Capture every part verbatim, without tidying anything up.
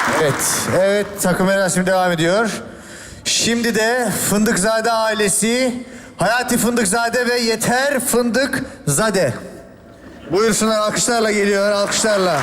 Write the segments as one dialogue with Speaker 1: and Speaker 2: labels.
Speaker 1: Evet, evet takım merasimi devam ediyor. Şimdi de Fındıkzade ailesi, Hayati Fındıkzade ve Yeter Fındıkzade. Buyursunlar, alkışlarla geliyor, alkışlarla.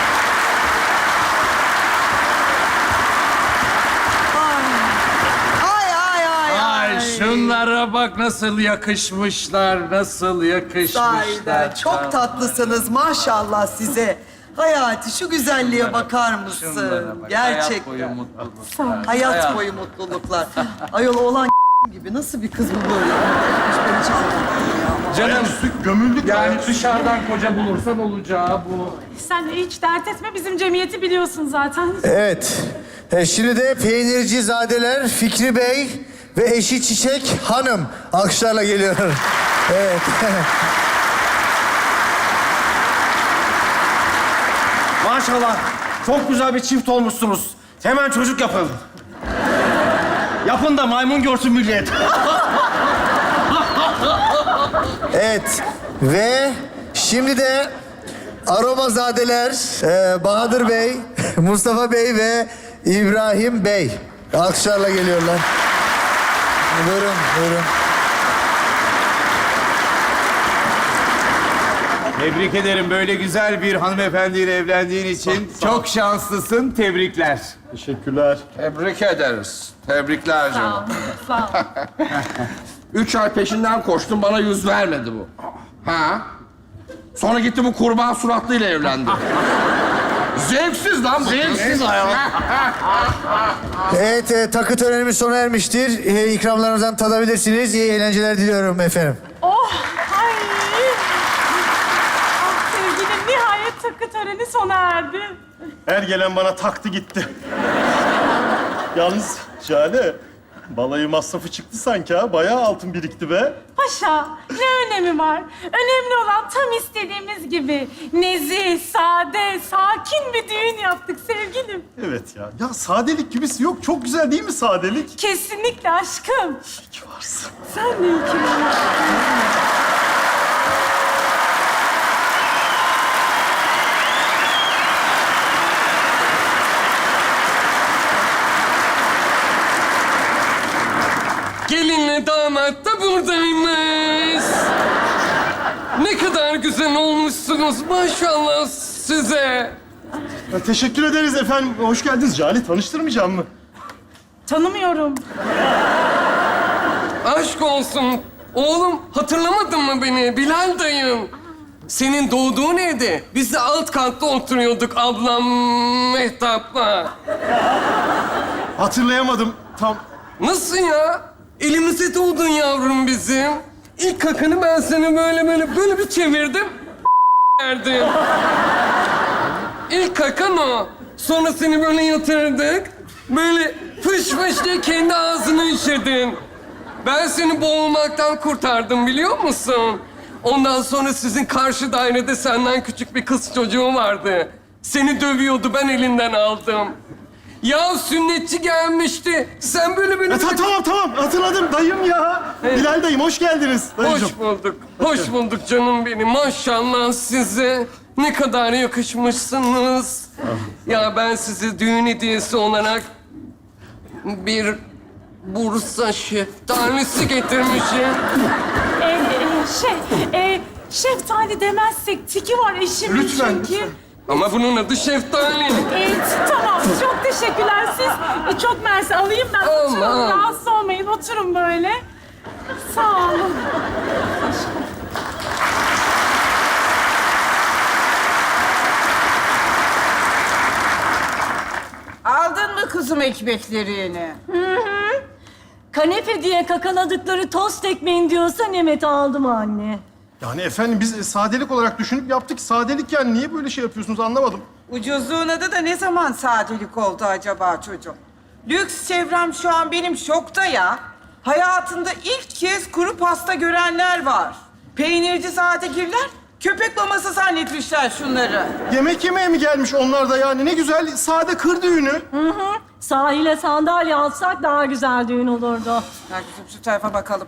Speaker 2: Ay ay ay ay.
Speaker 3: Ay şunlara bak nasıl yakışmışlar, nasıl yakışmışlar.
Speaker 2: Sahiden çok tatlısınız maşallah size. Hayati şu güzelliğe bakar mısın?
Speaker 3: Şunlara bak,
Speaker 2: Gerçekten.
Speaker 3: Hayat boyu mutluluklar.
Speaker 2: Hayat boyu mutluluklar. Ayol oğlan gibi nasıl bir kız bu böyle? Hiç beni çalmadı ya.
Speaker 3: Canım
Speaker 4: Gömüldük
Speaker 3: yani dışarıdan koca bulursan olacağı bu.
Speaker 5: Sen de hiç dert etme, bizim cemiyeti biliyorsun zaten.
Speaker 1: Evet, e, şimdi de Peynircizadeler Fikri Bey ve eşi Çiçek Hanım alkışlarla geliyor. Evet.
Speaker 4: Maşallah. Çok güzel bir çift olmuşsunuz. Hemen çocuk yapın. Yapın da maymun görsün millet.
Speaker 1: Evet ve şimdi de Aromazadeler e, Bahadır Bey, Mustafa Bey ve İbrahim Bey alkışlarla geliyorlar. Buyurun, buyurun.
Speaker 6: Tebrik ederim. Böyle güzel bir hanımefendiyle evlendiğin için çok şanslısın. Tebrikler.
Speaker 4: Teşekkürler.
Speaker 7: Tebrik ederiz. Tebrikler
Speaker 5: Sağ ol,
Speaker 7: canım.
Speaker 5: sağ ol.
Speaker 7: Üç ay peşinden koştum, bana yüz vermedi bu. Ha? Sonra gitti bu kurban suratlıyla evlendi. Zevksiz lan bu. Zevksiz ayol.
Speaker 1: Evet, e, takı törenimiz sona ermiştir. E, ikramlarınızdan tadabilirsiniz. İyi eğlenceler diliyorum efendim.
Speaker 5: Oh, ay. Ah sevgilim, nihayet takı töreni sona erdi.
Speaker 4: Her gelen bana taktı gitti. Yalnız Şahane, balayı masrafı çıktı sanki ha. Bayağı altın birikti be.
Speaker 5: Paşa, ne önemi var? Önemli olan tam istediğimiz gibi nezih, sade, sakin bir düğün yaptık sevgilim.
Speaker 4: Evet ya. Ya sadelik gibisi yok. Çok güzel değil mi sadelik?
Speaker 5: Kesinlikle aşkım.
Speaker 4: İyi ki varsın.
Speaker 5: Sen de iyi ki varsın.
Speaker 8: Gelinle damat da buradaymış. Ne kadar güzel olmuşsunuz maşallah size.
Speaker 4: Ya, teşekkür ederiz efendim. Hoş geldiniz. Cale tanıştırmayacağım mı?
Speaker 5: Tanımıyorum.
Speaker 8: Aşk olsun. Oğlum hatırlamadın mı beni? Bilal dayım. Senin doğduğun evde biz de alt katta oturuyorduk ablam Mehtap'la.
Speaker 4: Hatırlayamadım tam.
Speaker 8: Nasıl ya? Elimize doğdun yavrum bizim. İlk kakanı ben seni böyle böyle böyle bir çevirdim. Verdim. İlk kakan o. Sonra seni böyle yatırdık. Böyle fış fış diye kendi ağzını işedin. Ben seni boğulmaktan kurtardım biliyor musun? Ondan sonra sizin karşı dairede senden küçük bir kız çocuğu vardı. Seni dövüyordu, ben elinden aldım. Ya sünnetçi gelmişti. Sen böyle böyle...
Speaker 4: Ya, ta- tamam tamam hatırladım dayım ya.
Speaker 8: Evet.
Speaker 4: Bilal dayım hoş geldiniz. Dayıcığım.
Speaker 8: Hoş bulduk. Hoş bulduk canım benim. Maşallah size. Ne kadar yakışmışsınız. Ya ben size düğün hediyesi olarak bir Bursa şeftalisi getirmişim.
Speaker 5: Ee, e, şey, e, şeftali demezsek tiki var eşimin
Speaker 4: Lütfen,
Speaker 5: çünkü.
Speaker 4: lütfen.
Speaker 8: Ama bunun adı şeftali.
Speaker 5: Ee, tamam, çok teşekkürler. Siz e, çok mersi alayım ben. Oturun,
Speaker 8: Aman.
Speaker 5: rahatsız olmayın. Oturun böyle. Sağ olun.
Speaker 2: Aldın mı kızım ekmeklerini?
Speaker 9: Kanepe diye kakaladıkları tost ekmeğin diyorsa Nemet aldım anne.
Speaker 4: Yani efendim biz e, sadelik olarak düşünüp yaptık. Sadelik yani niye böyle şey yapıyorsunuz anlamadım.
Speaker 2: Ucuzluğun adı da ne zaman sadelik oldu acaba çocuğum? Lüks çevrem şu an benim şokta ya. Hayatında ilk kez kuru pasta görenler var. Peynirci sadegirler köpek maması zannetmişler şunları.
Speaker 4: Yemek yemeye mi gelmiş onlar da yani? Ne güzel sade kır düğünü.
Speaker 9: Sahile sandalye alsak daha güzel düğün olurdu.
Speaker 2: Gel kızım şu tarafa bakalım.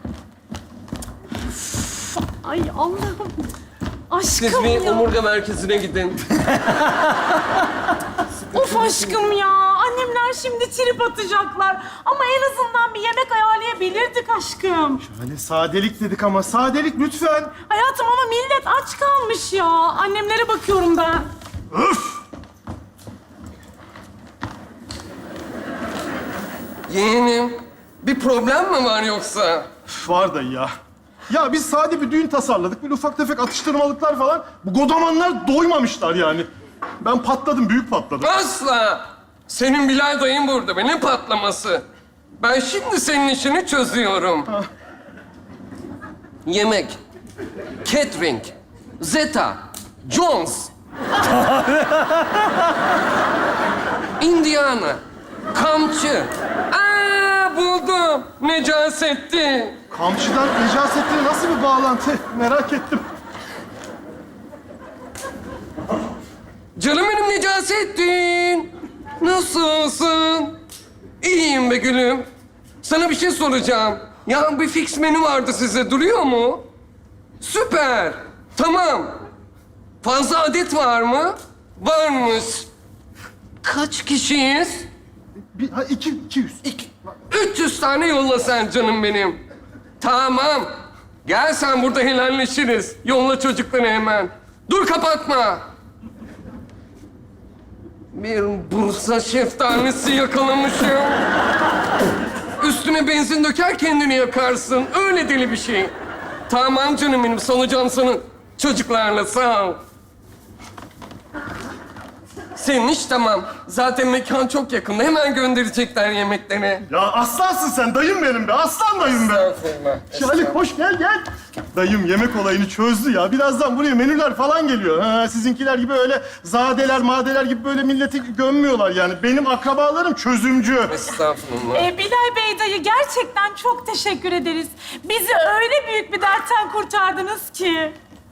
Speaker 5: Ay Allah'ım.
Speaker 8: Siz
Speaker 5: Aşkım
Speaker 8: bir
Speaker 5: ya.
Speaker 8: omurga merkezine gidin.
Speaker 5: Of Of aşkım ya. Annemler şimdi trip atacaklar. Ama en azından bir yemek ayarlayabilirdik aşkım.
Speaker 10: Hani sadelik dedik ama sadelik lütfen.
Speaker 5: Hayatım ama millet aç kalmış ya. Annemlere bakıyorum ben.
Speaker 10: Öf!
Speaker 8: Yeğenim, bir problem mi var yoksa?
Speaker 10: Üf, var dayı ya. Ya biz sade bir düğün tasarladık. Böyle ufak tefek atıştırmalıklar falan. Bu godamanlar doymamışlar yani. Ben patladım, büyük patladım.
Speaker 8: Asla! Senin Bilal dayın burada be, ne patlaması? Ben şimdi senin işini çözüyorum. Yemek, catering, Zeta, Jones, Indiana, Kamçı. Aa, buldum. Necasettin.
Speaker 10: Kamçıdan Necasettin'e nasıl bir bağlantı? Merak ettim.
Speaker 8: Canım benim Necasettin. Nasılsın? İyiyim be gülüm. Sana bir şey soracağım. Ya bir fix menü vardı size. Duruyor mu? Süper. Tamam. Fazla adet var mı? Varmış. Kaç kişiyiz?
Speaker 10: Bir, ha, iki, iki yüz.
Speaker 8: İki, üç yüz tane yolla sen canım benim. Tamam. Gel sen burada helalleşiriz. Yolla çocukları hemen. Dur kapatma. Bir Bursa şeftalisi yakalamışım. Üstüne benzin döker kendini yakarsın. Öyle deli bir şey. Tamam canım benim. Salacağım sana çocuklarla. Sağ ol. Senin iş tamam. Zaten mekan çok yakında. Hemen gönderecekler yemeklerini.
Speaker 10: Ya aslansın sen, dayım benim be. Aslan dayım be.
Speaker 8: Estağfurullah.
Speaker 10: Şahalik hoş gel gel. Dayım yemek olayını çözdü ya. Birazdan buraya menüler falan geliyor. Ha, sizinkiler gibi öyle zadeler, madeler gibi böyle milleti gömmüyorlar yani. Benim akrabalarım çözümcü.
Speaker 8: Estağfurullah.
Speaker 5: Ee, Bilal Bey dayı gerçekten çok teşekkür ederiz. Bizi öyle büyük bir dertten kurtardınız ki.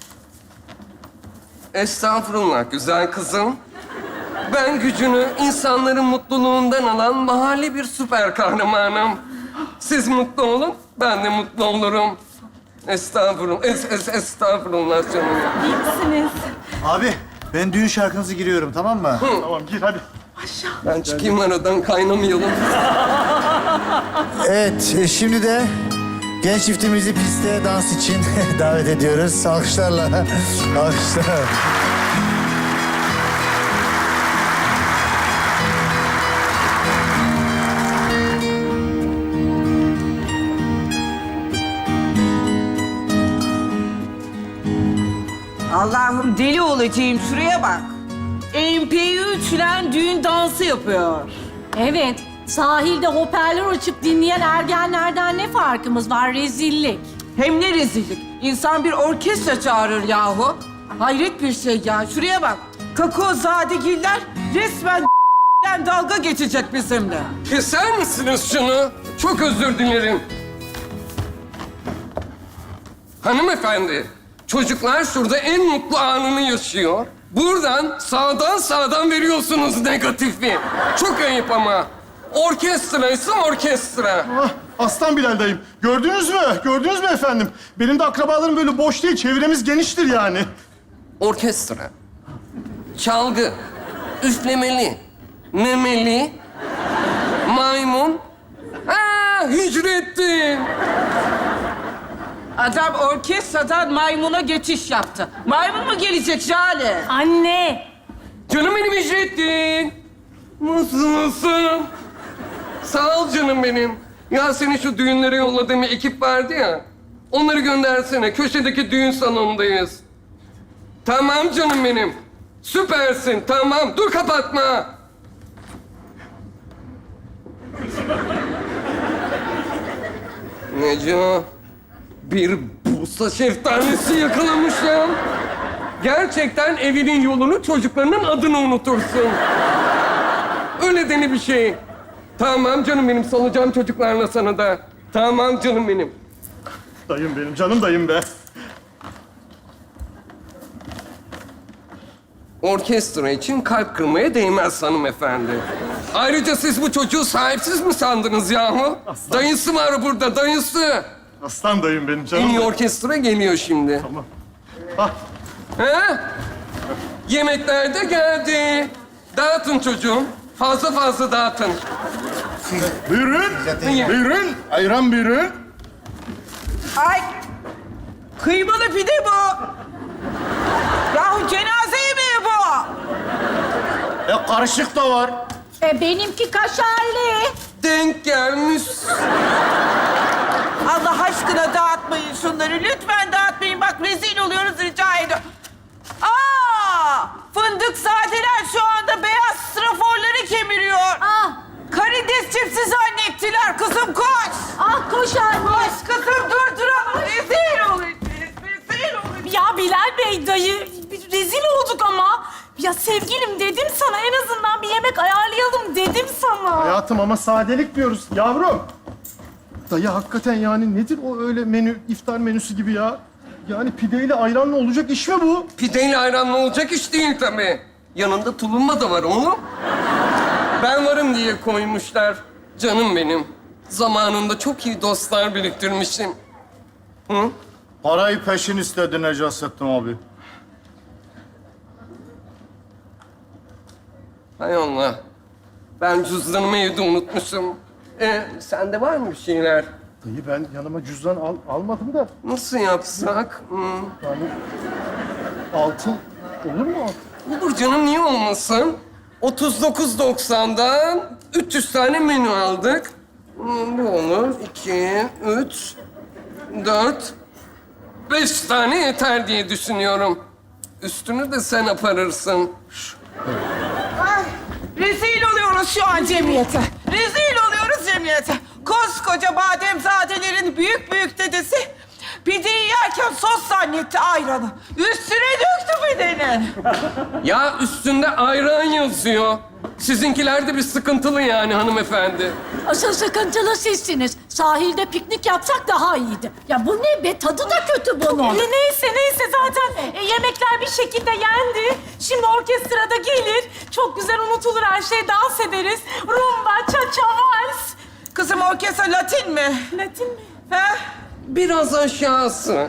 Speaker 8: Estağfurullah güzel kızım. Ben gücünü insanların mutluluğundan alan mahalle bir süper kahramanım. Siz mutlu olun, ben de mutlu olurum. Estağfurullah, es, es, estağfurullah canım.
Speaker 5: İyi misiniz?
Speaker 1: Abi ben düğün şarkınızı giriyorum tamam mı?
Speaker 10: Tamam gir hadi.
Speaker 8: Ben çıkayım aradan, kaynamayalım.
Speaker 1: Evet e, şimdi de genç çiftimizi piste dans için davet ediyoruz. Alkışlarla. Alkışlar.
Speaker 2: Allah'ım deli olacağım. Şuraya bak. M P üç'le düğün dansı yapıyor.
Speaker 9: Evet, sahilde hoparlör açıp dinleyen ergenlerden ne farkımız var? Rezillik.
Speaker 2: Hem ne rezillik. İnsan bir orkestra çağırır yahu. Hayret bir şey ya. Şuraya bak. Kakao zadegiller resmen dalga geçecek bizimle.
Speaker 8: Keser misiniz şunu? Çok özür dilerim. Hanımefendi, çocuklar şurada en mutlu anını yaşıyor. Buradan sağdan sağdan veriyorsunuz negatifi. Çok ayıp ama. Orkestra ise orkestra.
Speaker 10: Ah, aslan Bilal dayım. Gördünüz mü? Gördünüz mü efendim? Benim de akrabalarım böyle boş değil. Çevremiz geniştir yani.
Speaker 8: Orkestra. Çalgı. Üflemeli. Memeli. Maymun. Aa, Hicrettin.
Speaker 2: Adam orkestradan maymuna geçiş yaptı. Maymun mu gelecek Jale?
Speaker 5: Anne.
Speaker 8: Canım benim Hicrettin. Nasılsın? Sağ ol canım benim. Ya seni şu düğünlere yolladığım bir ekip vardı ya. Onları göndersene. Köşedeki düğün salonundayız. Tamam canım benim. Süpersin. Tamam. Dur kapatma. Neco, bir Bursa şeftalisi yakalamış ya. Gerçekten evinin yolunu, çocuklarının adını unutursun. Öyle deli bir şey. Tamam canım benim, salacağım çocuklarla sana da. Tamam canım benim.
Speaker 10: Dayım benim, canım dayım be.
Speaker 8: Orkestra için kalp kırmaya değmez hanımefendi. Ayrıca siz bu çocuğu sahipsiz mi sandınız yahu?
Speaker 10: Aslan.
Speaker 8: Dayısı var burada, dayısı.
Speaker 10: Aslan dayım benim,
Speaker 8: En
Speaker 10: canım
Speaker 8: iyi
Speaker 10: dayım.
Speaker 8: orkestra geliyor şimdi.
Speaker 10: Tamam. Ah,
Speaker 8: Ha? Yemekler de geldi. Dağıtın çocuğum. Fazla fazla dağıtın.
Speaker 10: Buyurun. Buyurun. Ayran buyurun.
Speaker 2: Ay! Kıymalı pide bu. Yahu cenaze yemeği bu.
Speaker 10: E karışık da var.
Speaker 9: E benimki kaşarlı.
Speaker 8: Denk gelmiş.
Speaker 2: Allah aşkına dağıtmayın şunları. Lütfen dağıtmayın. Bak rezil oluyoruz, rica ediyorum. Aa! Fındık zadeler şu anda beyaz straforları kemiriyor.
Speaker 9: Ah,
Speaker 2: Karides çipsi zannettiler. Kızım koş.
Speaker 9: ah koş anne.
Speaker 2: Koş kızım durduralım. Rezil olacağız. Rezil olacağız.
Speaker 5: Ya Bilal Bey dayı rezil olduk ama. Ya sevgilim dedim sana en azından bir yemek ayarlayalım dedim sana.
Speaker 10: Hayatım ama sadelik diyoruz. Yavrum. Dayı hakikaten yani nedir o öyle menü, iftar menüsü gibi ya? Yani pideyle ayranla olacak iş mi bu?
Speaker 8: Pideyle ayranla olacak iş değil tabii. Yanında tulumba da var oğlum. Ben varım diye koymuşlar. Canım benim. Zamanında çok iyi dostlar biriktirmişim. Hı?
Speaker 10: Parayı peşin istedi Necasettin abi.
Speaker 8: Hay Allah. Ben cüzdanımı evde unutmuşum. Ee, sende var mı bir şeyler?
Speaker 10: Dayı ben yanıma cüzdan al, almadım da
Speaker 8: Nasıl yapsak? Hmm.
Speaker 10: yani altın olur mu altın?
Speaker 8: Olur canım, niye olmasın? otuz dokuz doksandan üç yüz tane menü aldık. Hmm, bu olur. iki, üç, dört, beş tane yeter diye düşünüyorum. Üstünü de sen aparırsın.
Speaker 2: Ay, rezil oluyoruz şu an cemiyete. Rezil oluyoruz cemiyete. Koskoca bademzadelerin büyük büyük dedesi pideyi yerken sos zannetti ayranı. Üstüne döktü pidenin.
Speaker 8: Ya üstünde ayran yazıyor. Sizinkiler de bir sıkıntılı yani hanımefendi.
Speaker 9: Asıl sıkıntılı sizsiniz. Sahilde piknik yapsak daha iyiydi. Ya bu ne be? Tadı da kötü bunun.
Speaker 5: E, neyse neyse zaten e, yemekler bir şekilde yendi. Şimdi orkestrada gelir. Çok güzel unutulur her şey. Dans ederiz. Rumba, cha-cha, vals.
Speaker 2: Kızım orkestra Latin mi?
Speaker 5: Latin mi?
Speaker 2: He?
Speaker 8: Biraz aşağısı.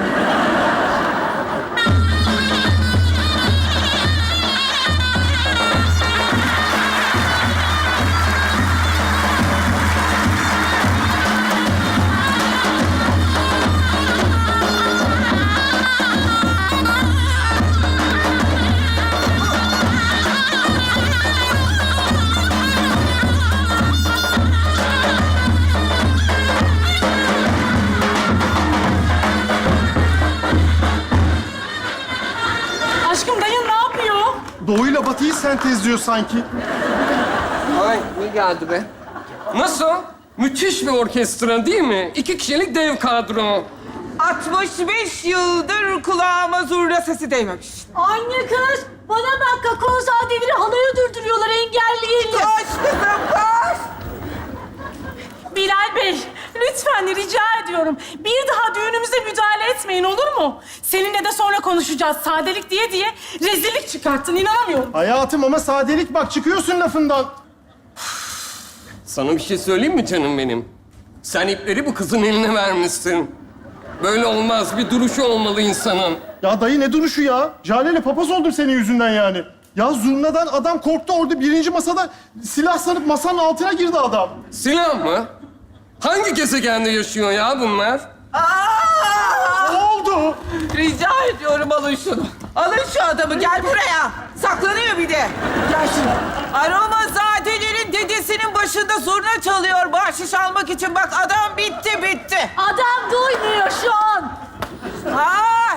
Speaker 5: Aşkım dayın ne yapıyor?
Speaker 10: Doğuyla batıyı sentezliyor sanki.
Speaker 8: Ay ne geldi be? Nasıl? Müthiş bir orkestra değil mi? İki kişilik dev kadro.
Speaker 2: altmış beş yıldır kulağıma zurna sesi değmemiş.
Speaker 9: Anne kız, bana bak kakaozadeleri halaya durduruyorlar engelleyelim.
Speaker 2: Koş kızım koş.
Speaker 5: Bilal Bey, lütfen rica ediyorum. Bir daha düğünümüze müdahale etmeyin olur mu? Seninle de sonra konuşacağız. Sadelik diye diye rezillik çıkarttın, inanamıyorum.
Speaker 10: Hayatım ama sadelik bak çıkıyorsun lafından.
Speaker 8: Sana bir şey söyleyeyim mi canım benim? Sen ipleri bu kızın eline vermişsin. Böyle olmaz. Bir duruşu olmalı insanın.
Speaker 10: Ya dayı ne duruşu ya? Jale'yle papaz oldum senin yüzünden yani. Ya zurnadan adam korktu orada birinci masada silah sanıp masanın altına girdi adam.
Speaker 8: Silah mı? Hangi gezegende yaşıyor ya bunlar?
Speaker 2: Aa!
Speaker 10: Ne oldu?
Speaker 2: Rica ediyorum alın şunu. Alın şu adamı gel buraya. Saklanıyor bir de. Gel şimdi. Aromazadelerin dedesinin başında zurna çalıyor bahşiş almak için. Bak adam bitti bitti.
Speaker 9: Adam duymuyor şu an.
Speaker 2: Ay.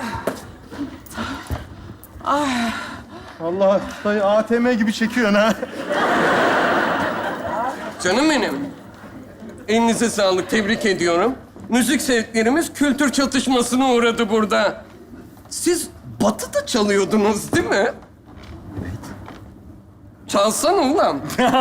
Speaker 10: Allah dayı A T M gibi çekiyorsun ha.
Speaker 8: Canım benim. Elinize sağlık. Tebrik ediyorum. Müzik zevklerimiz kültür çatışmasına uğradı burada. Siz batıda çalıyordunuz değil mi? Evet. Çalsana ulan.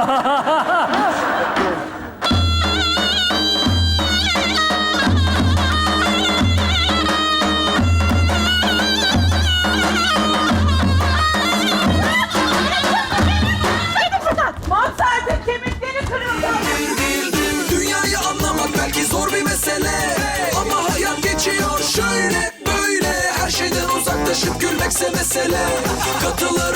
Speaker 2: Mozart'ın kemikleri kırıldı.
Speaker 11: Dünyayı anlamak belki zor bir mesele, ama hayat geçiyor şöyle böyle. Her şeyden uzaklaşıp gülmekse mesele. Katılır